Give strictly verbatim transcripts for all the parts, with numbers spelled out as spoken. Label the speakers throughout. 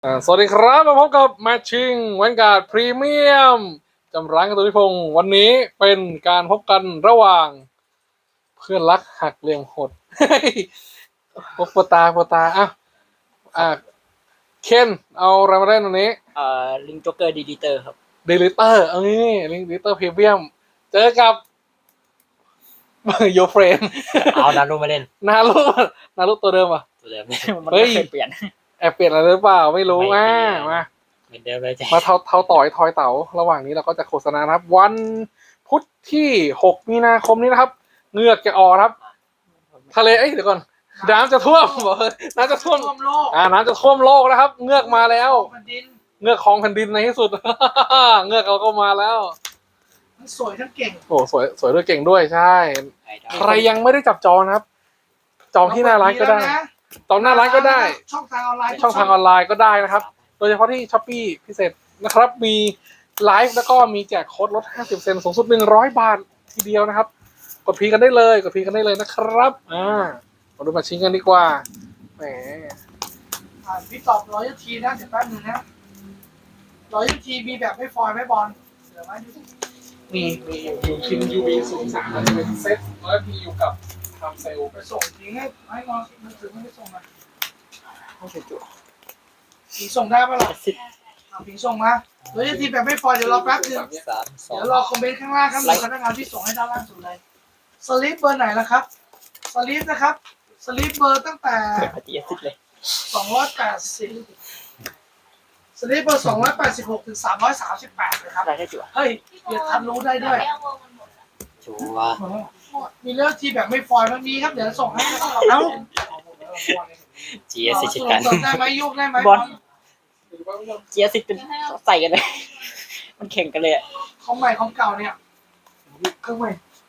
Speaker 1: อ่าสวัสดีครับมาพบกับแมทชิ่งแวนการ์ดพรีเมียมจำร้านกันตุนิพงศ์วันนี้เป็นการพบกันระหว่างเพื่อนรักหักเหลี่ยมโหดโอ้โหตาโปตาอ่ะอ่ะเคนเอาอะไรมาเล่นวันนี้
Speaker 2: เอ่อลิงจ็อกเกอร์ดีดีเตอร์ครับ
Speaker 1: เดลิเตอร์เอานี่ลิงเดลิเตอร์พรีเมียมเจอกับโยเฟรน
Speaker 2: เอานารุมาเล่น
Speaker 1: นารุนารุตัวเดิมอ่ะ
Speaker 2: ตัวเดิมมัน
Speaker 1: เฮ้
Speaker 2: ไม่
Speaker 1: ย
Speaker 2: เคยเปลี่ยน
Speaker 1: แอบเปลี่ยนอะไรหรือเปล่าไม่รู้
Speaker 2: ไม่
Speaker 1: อ่ะ
Speaker 2: เปลี่ยน
Speaker 1: มา
Speaker 2: เหมือนเดิมเลยจ้ะ
Speaker 1: มาเท่าเท่าต่อยทอยเต๋าระหว่างนี้เราก็จะโฆษณานะครับ วันพุธที่หกมีนาคมนี้นะครับเหงือกจะออกครับ ทะเลเอ้ยเดี๋ยวก่อนน้ำจะท่วมบอกเลยน้ำจะท่วม
Speaker 3: โลก
Speaker 1: อ่าน้ำจะท่วมโลกนะครับเงือกมาแล้ว
Speaker 3: แผ่นดิน
Speaker 1: เงือกของแผ่นดินในที่สุด เงือกเราก็มาแล้ว
Speaker 3: ทั้งสวยทั้งเก่ง
Speaker 1: โอ้สวยสวยด้วยเก่งด้วยใช่
Speaker 2: ไอ้ดาว
Speaker 1: ใครยังไม่ได้จับจองนะครับ จองที่หน้าร้านก็ได้
Speaker 3: แล้วะ
Speaker 1: จองหน้าร้านก็ได้
Speaker 3: ช่องทางออนไลน์
Speaker 1: ช่องทางออนไลน์ก็ได้นะครับ โดยเฉพาะที่ช้อปปี้พิเศษนะครับ มีไลฟ์แล้วก็มีแจกโค้ดลด ห้าสิบเปอร์เซ็นต์ สูงสุด หนึ่งร้อย บาททีเดียวนะครับ กดพีกันได้เลย กดพีกันได้เลยนะครับ อ่า มาดูมาชิงกันดีกว่า แหม
Speaker 3: อ่าพี่ตอบร้อยทีนะเดี๋ยวแป๊บนึงนะร้อยทีมีแบบไม่ฟอยล์ไม่บอลเหลือไหมดูสิ
Speaker 1: มีมีอยู่คินยูบีศูนย์สามมันจะเป็นเซ็ตแล้วพีอยู่กับทำเซล
Speaker 3: ไปส่งทิ้งให้ให้งอนมันถึงไม่ได้ส่งมา
Speaker 2: ไม่ใช่จุ๊
Speaker 3: ผีส่งได้ปะล่ะ
Speaker 2: สิบ
Speaker 3: อ่าผีส่งมาร้อยทีแบบไม่ฟอยล์เดี๋ยวรอแป๊บนึง
Speaker 2: สามสอง
Speaker 3: เดี๋ยวรอคอมเมนต์ข้างล่างครับมีพนักงานที่ส่งให้ด้านล่างสุดเลยสลิปเบอร์ไหนล่ะครับสลิปนะครับสลิปเบอร์ตั้งแต่
Speaker 2: เปิดปฏิเสธเลย
Speaker 3: สองร้อยแปดสิบสลิปเบอร์สองร้อยแปดสิบหกถึงสามร้อยสามสิบแปดเลยครับ
Speaker 2: ได้ได้จุ๊
Speaker 3: เฮ้ยเดี๋ยวทันรู้ได้ด้วย
Speaker 2: ชัวร์
Speaker 3: มีเลือกทีแบบไม่ฟอยล์มันมีครับ เดี๋ยวส่งให้นะครับ
Speaker 2: เอ้าเจียสิชิกัน
Speaker 3: ส่งได้ไหมยุกได้ไหม
Speaker 2: บอลเจียสิเป็นใส่กันเลย มันแข่งกันเลยอะ
Speaker 3: ของใหม่ของเก่าเนี่ยเครื่องใหม่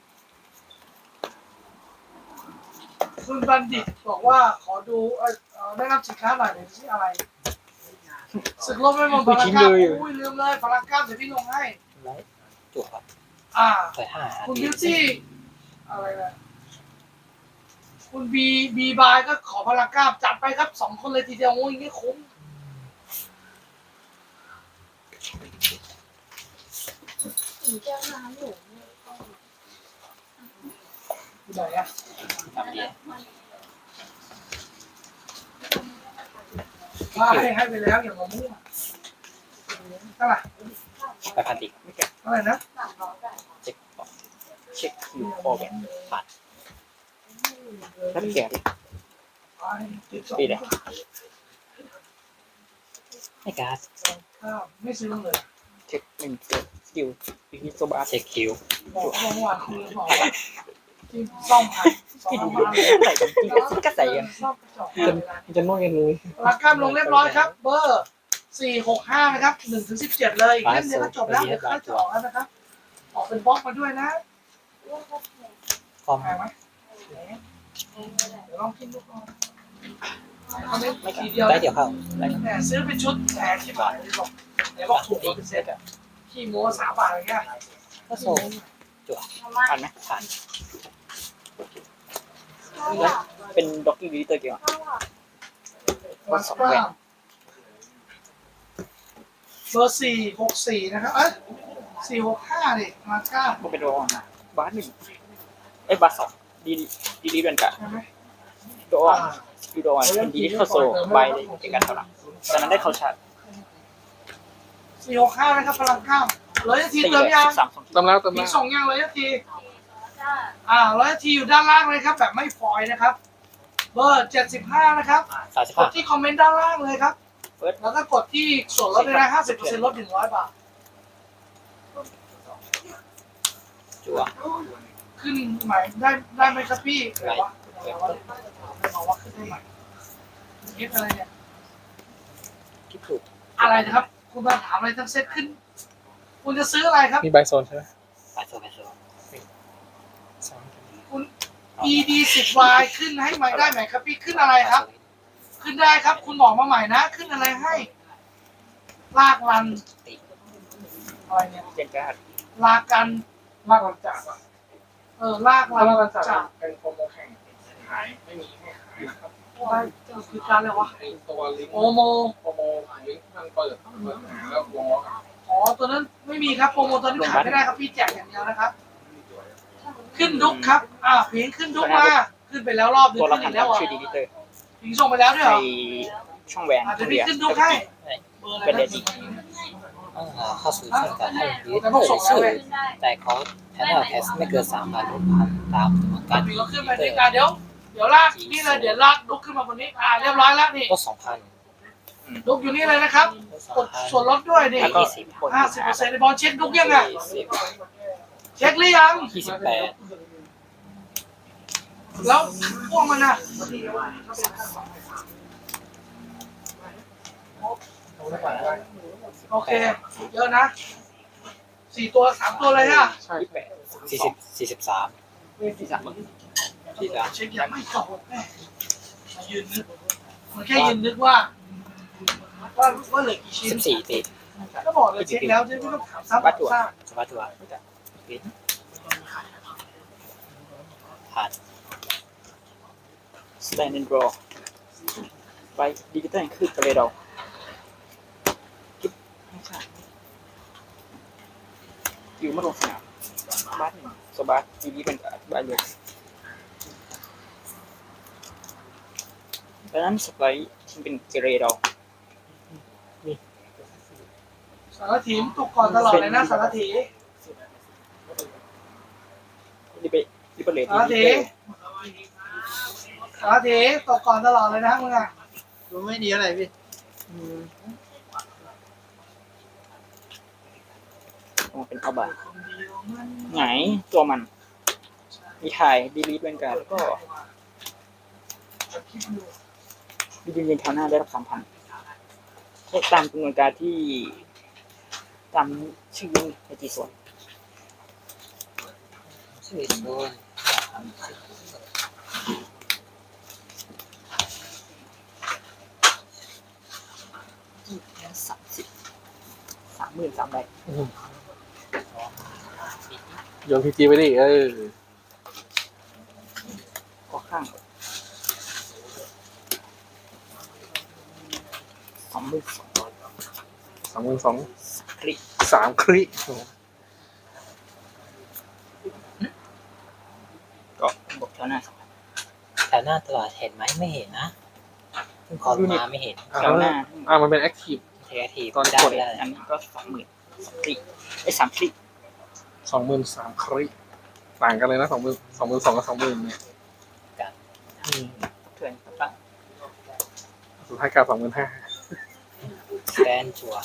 Speaker 3: คุณบัณฑิตบอกว่าขอดูเอ่อเอ่อได้รับสินค้าหน่อยหน่อยที่อะไรสึกลบไม่มองพลังก้าอุ้ยลืมเลยพลังก้าเดี๋ยวพี่ลงให้
Speaker 2: ไรจุ๊ครับ
Speaker 3: อ่า
Speaker 2: ใส่ห้า
Speaker 3: คุณบิวตี้อะไรนะคุณบีบีบายก็ขอพลังกล้าจัดไปครับสองคนเลยทีเดียวโอ้ยนี่คุ้มอยู่ไหนอะ
Speaker 2: สามเดีย
Speaker 3: ว่าให้ให้ไปแล้วอย่ามามั่วเท่าไหร่
Speaker 2: ไปพันติไม่แก่
Speaker 3: เท่าไหร่นะ
Speaker 2: เช็คเช็คคิวโอแบนผ่านแล้วแก่ดิ ปีไหน ไม่การ์ด
Speaker 3: อ้าวไม่ซื้อเลย
Speaker 2: เช็คหนึ่งเจ็ดสกิลพิกโซบาเช็คคิว
Speaker 3: บอกเมื่อวานคือบอกว่าที่ซ่อมผ่านซ่อ
Speaker 2: ที่
Speaker 3: ม
Speaker 2: ดู
Speaker 3: มา
Speaker 2: ใส่กันจริงก็ก็ใส่กัน
Speaker 3: ซ่อมจอด
Speaker 1: จะจะนวดกันเลย
Speaker 3: พลังกล้ามลงเรียบร้อยครับ เบอร์สี่หกห้านะครับหนึ่งถึงสิบเจ็ดเลยเล่มเดียวก็จบแล้วเดี๋ยวก็จะออกแล้วนะครับ ออกเป็นบล็อกมาด้วยนะ
Speaker 2: คอม
Speaker 3: แพงไหมเดี๋ยวลองกินดูก่อนเอาเม็ด
Speaker 2: ไม่
Speaker 3: ที
Speaker 2: การ์
Speaker 3: เดียว
Speaker 2: ได้เดี๋ยวเข้าได้
Speaker 3: แหมซื้อเป็นชุดแพงที่บาทเลยบอกเดี๋ยวบอกถูกกว่าเป็นเซ็ตอะขี้โม้สามบาทอะไรเงี้ย
Speaker 2: ก็โซ่จั่วผ่านไหมผ่านเป็นด็อกกี้ดีเตอร์เกี่ยว
Speaker 3: มาสเปอร์เบอร์สี่หกสี่นะครับ เอ้ยสี่หกห้าดิมาก้า
Speaker 2: ก็เป็นโรออนบาสหนึ่งเอ้บาสสองดีดีดีเป็นกะ
Speaker 3: ใช่ไหม
Speaker 2: โรออนยูโรออนเป็นดีเข้าโซ่ใบเลยเอกกันเท่าไหร่ตอนนั้นได้เข้าชาร์จ
Speaker 3: สี่หกห้านะครับพลังกล้ามร้อยนาที
Speaker 2: ตี
Speaker 3: เติ
Speaker 2: เล
Speaker 3: ม
Speaker 2: ย
Speaker 3: ยัง
Speaker 2: สามสอง
Speaker 1: ตำแล้วตำ
Speaker 3: มี
Speaker 1: แล้ว
Speaker 3: ส่งยังร้อยนาที อ่าร้อยนาทีอยู่ด้านล่างเลยครับ แบบไม่ฟอยล์นะครับ เบอร์เจ็ดสิบห้านะครับ
Speaker 2: สามสิบ
Speaker 3: ก
Speaker 2: ห้า
Speaker 3: ดที่คอมเมนต์ด้านล่างเลยครับ
Speaker 2: เปิด
Speaker 3: แล้วก็กดที่ส่วนลดเลยนะห้าสิบเปอร์เซ็นต์ลดหนึ่งร้อยบาท
Speaker 2: จั่ว
Speaker 3: ขึ้นใหม่ได้ได้ไหมครับพี่เดี๋ยวว่าเดี๋ยวว่าบอกว่าขึ้นได้ใหม่เอฟอะไรเนี่ย
Speaker 2: คิดถูก
Speaker 3: อะไรนะครับ คุณมาถามอะไรทั้งเซตขึ้น คุณจะซื้ออะไรครับ
Speaker 1: มีใบโซนใช่ไหม
Speaker 2: ไปโซ่ไปโซ่
Speaker 3: คุณ อี ดี สิบ วาย ขึ้นให้ใหม่ได้ไหมครับพี่ขึ้นอะไรครับ ขึ้นได้ครับ คุณบอกมาใหม่นะ ขึ้นอะไรให้ ลากลัน
Speaker 2: ตี
Speaker 3: อะไรเนี่ย
Speaker 2: เจนการ์ด
Speaker 3: ลากัน
Speaker 1: ลากกันจากอ่ะ
Speaker 3: เออ ลากลั
Speaker 1: ถ้าน ลากกันจาก
Speaker 3: จาก
Speaker 1: เป็นโปรโมแข่งหายไม่มีให้ขายนะครับ
Speaker 3: อะไรคือการอะไรวะ
Speaker 1: ไอตัวลิงก์
Speaker 3: โอโม
Speaker 1: โปรโมลิงก์มันเปิดเปิดแล้ววงล็อกอะ
Speaker 3: อ๋อตัวนั้นไม่มีครับโปรโมตอนนี้ขายไม่ได้ครับพี่แจกอย่างเดียวนะครับ ขึ้นดุกครับอ่าพิงขึ้นดุกมาขึ้นไปแล้วรอบนึง
Speaker 2: ตัวละ
Speaker 3: ขึ้น
Speaker 2: พั
Speaker 3: อี
Speaker 2: น
Speaker 3: กแล้วอ่ะ
Speaker 2: ชื่อดีลิเตอร์
Speaker 3: พิงส่งไปแล้วด้วยเหร
Speaker 2: ใน
Speaker 3: อ
Speaker 2: ช่องแหวน
Speaker 3: อาจจะ
Speaker 2: เรี
Speaker 3: พี่
Speaker 2: ย
Speaker 3: ขึ้นดุกให้เบอร์อะไร
Speaker 2: เป็นเด
Speaker 3: นะ
Speaker 2: ดี้
Speaker 4: อ่าเข้าสู่ช่วงการให้ยืด
Speaker 3: แต่พวกส่งแล้ว
Speaker 4: ชื่อ
Speaker 3: เลย
Speaker 4: แต่เขาแทนว่าแคสไม่เกินสามพันพันตามจำนวนการ
Speaker 3: พิงก็ขึ้นไปนี่อ่ะเดี๋ยวเดี๋ยวลากนี่เลยเดี๋ยวลากดุกขึ้นมาบนนี้อ่าเรียบร้อยแล้วนี่
Speaker 4: ก็สองพัน
Speaker 3: ดุกอยู่นี่เลยนะครับกดส่วนลดด้วยนี่
Speaker 2: แล้วก็
Speaker 3: ห้าสิบเปอร์เซ็นต์ในบอลเช็คดุกยังไง
Speaker 4: ยี่สิบ
Speaker 3: เช็คหรือยัง
Speaker 4: ยี่สิบแปด
Speaker 3: แล้วพวกมันน่ะโอเคเยอะนะสี่ตัวสามตัวเลยฮะ
Speaker 1: ใช่
Speaker 2: ยี่สิบแปด
Speaker 4: สี่สิบสี่สิบสาม
Speaker 2: ที่สาม
Speaker 4: ที่สาม
Speaker 3: เช็คยังไม่จบแม่มายืนนึกมันแค่ยืนนึกว่าว่าว่าเหลือกี่ชิ้น
Speaker 4: สิบสี่ตี
Speaker 3: ก็บอกเลยเช็คแล้วจะไม่ต้องถามซ้ำ
Speaker 2: บัตรจั่ว
Speaker 3: ซาก
Speaker 4: สวัสดีว่าผ่าน
Speaker 2: สแตนด์ดรอไปดิจิตอลคือกระเรดอกิ๊บไม่ใช่อยู่มาลงสนามบัตหนึ่งสบัตยูดีเป็นบาทเลยดังนั้นสไปร์ที่เป็นเกเรดอ
Speaker 3: สารถีมตกก่อนตลอดเลยนะสารถี
Speaker 2: ดิเบดิเบเลต
Speaker 3: สารถีสารถีตกก่อนตลอดเลยนะมึงอ่ะ
Speaker 5: ดูไม่ดีอะไรพี่
Speaker 2: มันเป็นเอาบาไหนตัวมัน มีถ่ายดีลีทเป็นการแล้วก็ดีลีทเป็นแถวหน้าได้รับสามพันตามจำนวนการที่ตามชื่อในจีส่วน
Speaker 4: ชื่อโซน
Speaker 2: สามสิบสามหมื่นสามใบ
Speaker 1: โยนพีจีไปดิเออ
Speaker 2: ก็ข้างสองหมื่นสอง
Speaker 1: สองหมื่นสอง
Speaker 2: คลิก
Speaker 1: สามคริ
Speaker 2: ก็บอกแถวหน้าสอง
Speaker 4: แถวหน้าตลอดเห็นไหมไม่เห็นนะเพิ่งคอลมาไม่เห็น
Speaker 2: แถวหน้า
Speaker 1: อ่ามันเป็นแอคทีฟ
Speaker 4: เทคที
Speaker 2: ตอน
Speaker 4: ได้
Speaker 2: กด
Speaker 4: ไม่ได้
Speaker 2: อันนี้ก็สองหมื่นสองคลิกไอ้สามคลิก
Speaker 1: สองหมื่นสามคริต่างกันเลยนะสองหมื่นสองหมื่นสองกับสองหมื่นเนี่ย
Speaker 2: เถื่อนตั้ง
Speaker 1: สุดท้ายกลายสองหมื่นห้า
Speaker 4: แกนจัว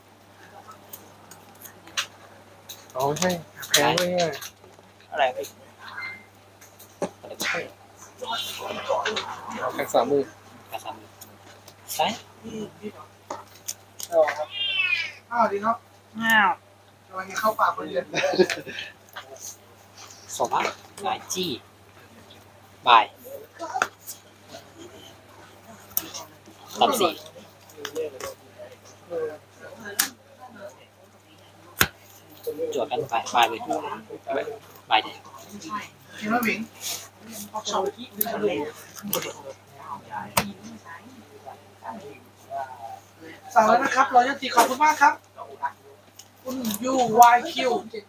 Speaker 1: อ๋อไม่ใช่แพงเลยอ่ะ
Speaker 2: อะไรไป
Speaker 4: อะไรก็ได้
Speaker 1: แพงสามหมื่น
Speaker 4: กระซำซ้าย
Speaker 3: อ้าวดีครับ
Speaker 2: อ้าว
Speaker 3: กำลังจะเข้าป่าคนเดียว
Speaker 4: สวัสดีหลายจี้บายตัดสี่จวดกันไปบายเลยบายเด็
Speaker 3: กินมะหมิงออกชาวที่สั่งแล้วนะครับรอยตีขอบคุณมากครับคุณยูวายคิว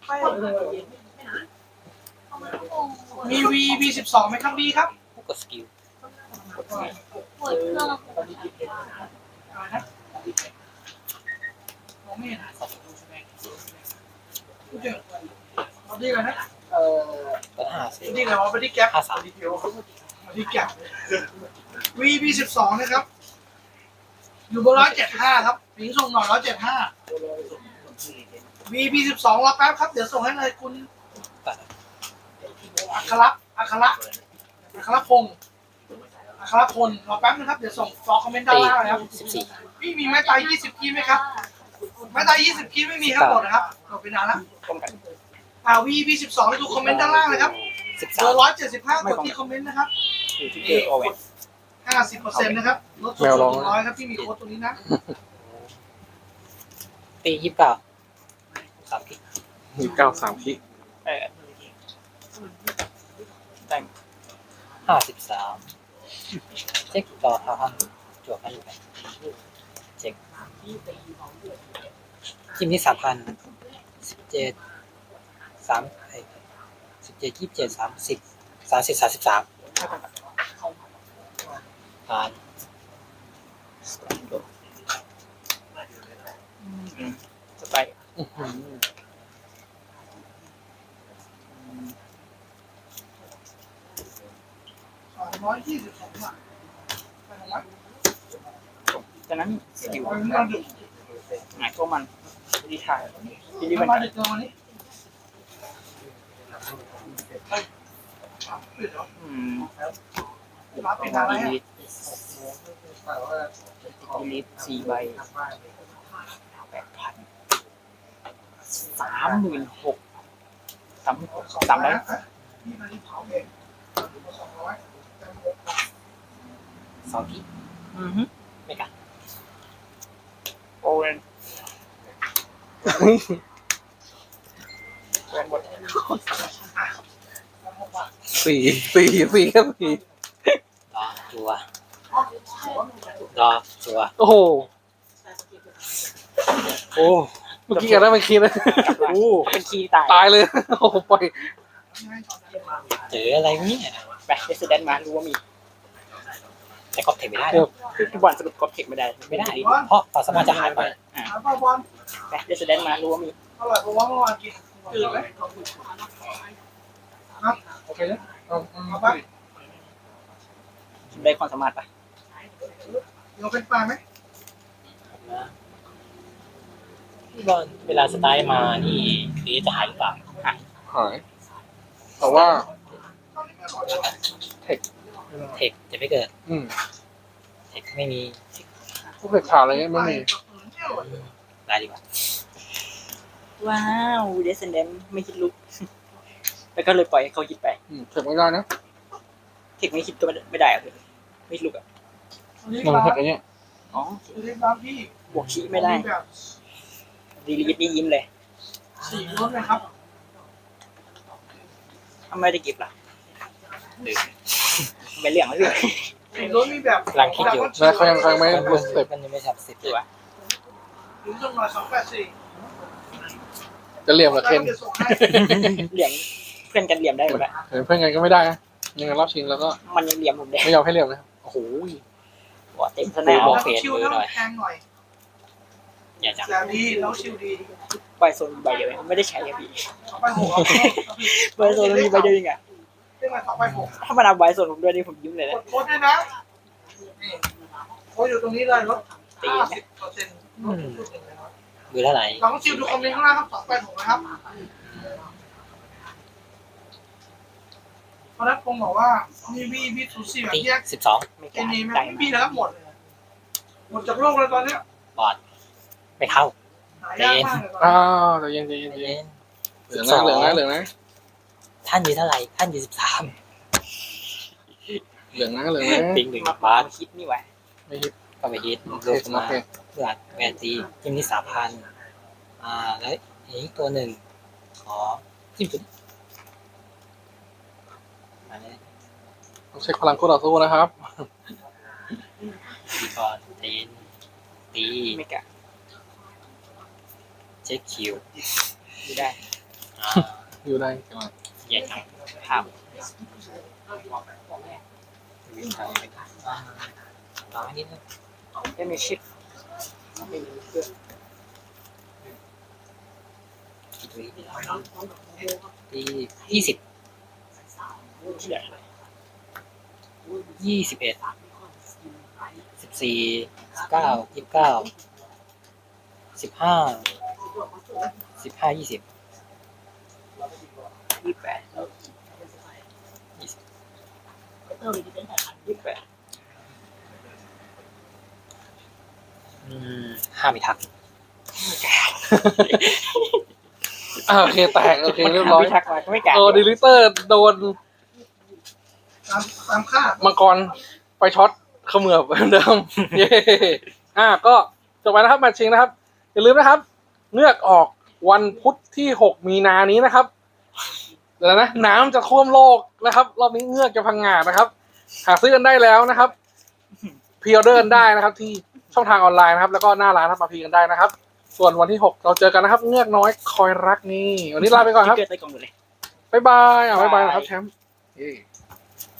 Speaker 3: มีวีบีสิบสองไหมครับบีครับ
Speaker 4: กดสกิล
Speaker 6: เปิดเครื่อง
Speaker 3: อะไรนะมองไม่เห็นพูดเจอเอาดีเลยนะเอ่อ
Speaker 4: ก็ห้าสิบ
Speaker 3: ดีเลยว่าไปที่แก๊ป
Speaker 4: ห้าสาม
Speaker 3: มาที่แก๊ปวีบีสิบสองนะครับ อยู่บนร้อยเจ็ดห้าครับพิงส่งหน่อยร้อยเจ็ดห้าวีบีสิบสองรอแป๊บครับ เดี๋ยวส่งให้เลยคุณ
Speaker 4: ตัด
Speaker 3: อัคระอัคระอัคระพงศ์อัครพลรอแป๊บนึงครับ เดี๋ยวส่งฟอคอมเมนต์ด้าน
Speaker 4: ตี
Speaker 3: ล่างนะครับ
Speaker 4: สิบสี่
Speaker 3: พี่มีไม้ตายยี่สิบคีไหมครับ ไม้ตายยี่สิบคีไม่มีครับหมดนะครับหมดไปนานแล้ว
Speaker 2: ป้องกัน
Speaker 3: อ่าวีบีสิบสองดูคอมเมนต์ด้านล่างเลยครับ
Speaker 4: สิบ
Speaker 3: เบ
Speaker 4: สา
Speaker 3: อ
Speaker 4: ม
Speaker 3: ร์ร้อยเจ็ดสิบห้ากดที่คอมเมนต์นะครับ
Speaker 2: อยู่ที่เกอร์โอเวน
Speaker 3: ห้าสิบเปอร์เซ็นต์นะครับลดสูงสุดหนึ่งร้อยครับที่มีโค้ดตัวนี้นะ
Speaker 4: ตียี่สิบเก้าสามกิก
Speaker 1: มีเก้าสามคริ
Speaker 2: เออแต่ง
Speaker 4: ห้าสิบสามเช็คต่อครับจวบไปไปเช็คทีมนี้สามพันสิบเจ็ดสามสิบเจ็ดยี่สิบเจ็ดสามสิบสามสิบสามสิบสามผ่าน
Speaker 2: สไป
Speaker 1: อื้อหือ
Speaker 3: สองร้อยยี่สิบสองบาทไปทำไม
Speaker 2: จากนั้นสกิล
Speaker 3: ไปเมื่อดึก
Speaker 2: หายตัวมันดีถ่ายดีดีมัน
Speaker 3: มาดึกเกินวันนี้ปิดเหรอ
Speaker 2: อืม
Speaker 3: รับเป็นอะไร
Speaker 2: ดี
Speaker 3: อ่ะ
Speaker 2: ลิทดีลิทสี่ใบแปดพันสามหมื่นหกสามหกสามได้
Speaker 3: นี่มันที่เผาเองสองร้อย
Speaker 4: สองที่
Speaker 2: อือฮึ
Speaker 4: ไม่กัด
Speaker 2: โอเรนแวนบด
Speaker 1: สี่สี่สี่แค่สี่
Speaker 4: รอจัวรอจัว
Speaker 1: โอ้โหโอ้เมื่อกี้กันได้เมื่อกี้นะโอ้
Speaker 2: เป็นคีย์ตาย
Speaker 1: ตายเลยโอ้โหปล่อย
Speaker 4: เจออะไรเนี่ย
Speaker 2: ไปเดสเดนมารู้ว่ามี
Speaker 4: แต่ก็เทคไม่ได้
Speaker 2: คือทุกบอลสรุปกดเทคไม่ได้
Speaker 4: ไม่ได้เพราะความสามารถจะหายไป
Speaker 2: อ่า
Speaker 3: เอาเปล่าบอล
Speaker 2: ไปเดสเดนมารู้ว่ามี
Speaker 3: อร่อยเพราะว่าเมื่อวานกินจืดไหมครับ
Speaker 1: โอเคนะเอา
Speaker 3: เอาไป
Speaker 2: ได้ความสามารถปะ
Speaker 3: เดี๋ยวเป็นปลาไหม
Speaker 4: พี่บอลเวลาสไตล์มานี่นี้จะหายหรือเปล่า
Speaker 2: หาย
Speaker 1: หายแต่ว่า
Speaker 4: เทคจะไม่เกิด
Speaker 1: อืม
Speaker 4: เทคไม่มี
Speaker 1: พวกเด็กข่าวอะไรเงี้ยไม่มี
Speaker 4: ได้ดีกว่า
Speaker 2: ว้าวเดสเดนไม่คิดลุก แล้วก็เลยปล่อยให้เขาคิดไป
Speaker 1: อืมเทคไม่ได้นะ
Speaker 2: เทคไม่คิดก็ไม่ได้อะเลยไม่ลุกอ่ะ
Speaker 3: นี่
Speaker 1: มัน
Speaker 3: ร้าน
Speaker 1: เทคอะไรเงี้ย
Speaker 2: อ๋อ
Speaker 3: นี่ร้านพี่
Speaker 2: บวกชี้ไม่ได้
Speaker 3: แบบ
Speaker 2: ดีลีทนี่ยิ้มเลย
Speaker 3: สี่รสนะครับ
Speaker 2: ทำไมได้เก็บล่ะไม่เลี่ยงไม่เลี่ยง
Speaker 3: สี่รสมีแบบ
Speaker 4: กำลังคิดอยู่
Speaker 1: แล้วเขายังเขายังไม่ลงสเต็ป
Speaker 4: มันยังไม่ทับสิบ
Speaker 2: ตัว
Speaker 3: ถึงจำนวนสองแปดสี่
Speaker 1: จะเหลี่ยมกับเคน
Speaker 3: จะส่งให้
Speaker 2: เหลี่ยมเพื่อนกันเหลี่ยมได้หมดอะ
Speaker 1: เห็นเพื่อนกันก็ไม่ได้นะยังไงรอบชิงแล้วก็
Speaker 2: มันยังเหลี่ยมผมเลย
Speaker 1: ไม่ยอมให้เหลี่ยมนะโอ้โห
Speaker 2: หัวเต็มส
Speaker 4: โอ้
Speaker 2: นาม
Speaker 4: โห
Speaker 3: แล้วชิวแล้วแพงหน่อย
Speaker 4: อย่าจับ
Speaker 3: แต่ดีแล้วชิวดี
Speaker 2: ใบโซนใบเดียวเองไม่ได้ใช้อะพี่
Speaker 3: ต่อไปหก
Speaker 2: ใบโซนมีใบเดียวเองอะ
Speaker 3: เรื่องอะไรต่อไปหก
Speaker 2: ถ้ามันเอาใบโซนผมด้วยนี่ผมยิ้มเลย
Speaker 3: ก
Speaker 2: นะ
Speaker 3: ดโค้ดด้วยนะนี่โค้ดอยู่ตรงนี้เลยลดห้าสิบเปอร์เซ็นต์
Speaker 4: มือเท่าไหร่
Speaker 3: ลองชิวดูคอมเมนต์ข้างล่างครับสองแปดหกนะครับเพราะนั้นผมบอกว่ามีวีวีทูซีแบบ
Speaker 4: ตี
Speaker 3: แยก
Speaker 4: สิบสอง
Speaker 2: ไม่ก
Speaker 3: เก
Speaker 2: ล้าม
Speaker 3: นี้
Speaker 2: ได้
Speaker 3: ไม่มีนะครับหมด หมดจากโลกเลยตอนเนี้ย
Speaker 4: บอดไม่เข้า
Speaker 3: หายากมากเลยตอน
Speaker 1: อ้า
Speaker 3: นี้
Speaker 1: วแต่เย็นใจเย็นใจ
Speaker 4: เล่
Speaker 1: เย็น
Speaker 4: น
Speaker 1: เหลืองนะเหลืองนะเหลืองนะ
Speaker 4: ท่านอยู่เท่าไหร่ท่านอยู่สิบสาม
Speaker 1: เหลืองนะเหลืองนะ
Speaker 4: ปิงหนึ่ง
Speaker 2: มา
Speaker 4: บาท
Speaker 2: คิดนี่ไว้
Speaker 1: ไม่ฮิต
Speaker 4: ก็ไปฮิต
Speaker 1: โอเค
Speaker 4: ลง
Speaker 1: โอ
Speaker 4: มา
Speaker 1: เค
Speaker 4: เลือดแวนตีทีมนี้สามพันอ่าแล้วอีกตัวหนึ่งขอจิ้มจุดมาเลย
Speaker 1: ต้องเช็คพลังคู่ต่อสู้นะครับ
Speaker 4: ตีก่อนตีนตี
Speaker 2: ไม่กล้า
Speaker 4: เช็คคิว
Speaker 2: ไม่ได้
Speaker 4: อ่า
Speaker 1: อยู่ได้จังหวะ
Speaker 4: แย่จัง
Speaker 2: ภาพ
Speaker 4: วิ่งทางไปก่อนอ่าร้อยนิดนึง
Speaker 2: ไม่มีชิปไม่มีเครื่อง
Speaker 4: ตีตียี่สิบ
Speaker 2: ที่เหลือ
Speaker 4: ยี่สิบเอ็ดสิบสี่สิบเก้ายี่สิบเก้าสิบห้าสิบห้ายี่สิบ
Speaker 2: ยี่สิบแปด
Speaker 4: ยี่สิบ
Speaker 2: ยี่สิบแปด
Speaker 4: อืมห้าไม่ทัก
Speaker 1: อ่าโอเคแตกโอเคเรียบร้อย
Speaker 2: ไม่ทักมาก็ไม่กล้า
Speaker 1: โอ้ดีลิเตอร์โดน
Speaker 3: ตามตามคาด
Speaker 1: มังกรไปช็อตเขมือบเหมือนเดิม เย้อ่าก็จบไปนะครับแมตช์ชิงนะครับ อย่าลืมนะครับเลือกออกวันพุธที่หกมีนานี้นะครับเดี๋ยวนะน้ำจะท่วมโลกนะครับ รอบนี้เงือกจะพังงาดนะครับ หาซื้อกันได้แล้วนะครับพรีออเดอร์กันได้นะครับ ที่ช่องทางออนไลน์นะครับ แล้วก็หน้าร้านนะครับมาพรีกันได้นะครับ ส่วนวันที่หกเราเจอกันนะครับ เงือกน้อยคอยรักนี่วันนี้ลาไปก่อนครับ
Speaker 2: เกิดใต้กล่องอยู่เลย
Speaker 1: บ๊ายบายอ่ะบ๊ายบาย
Speaker 2: บาย
Speaker 1: นะครับแชมป์เย้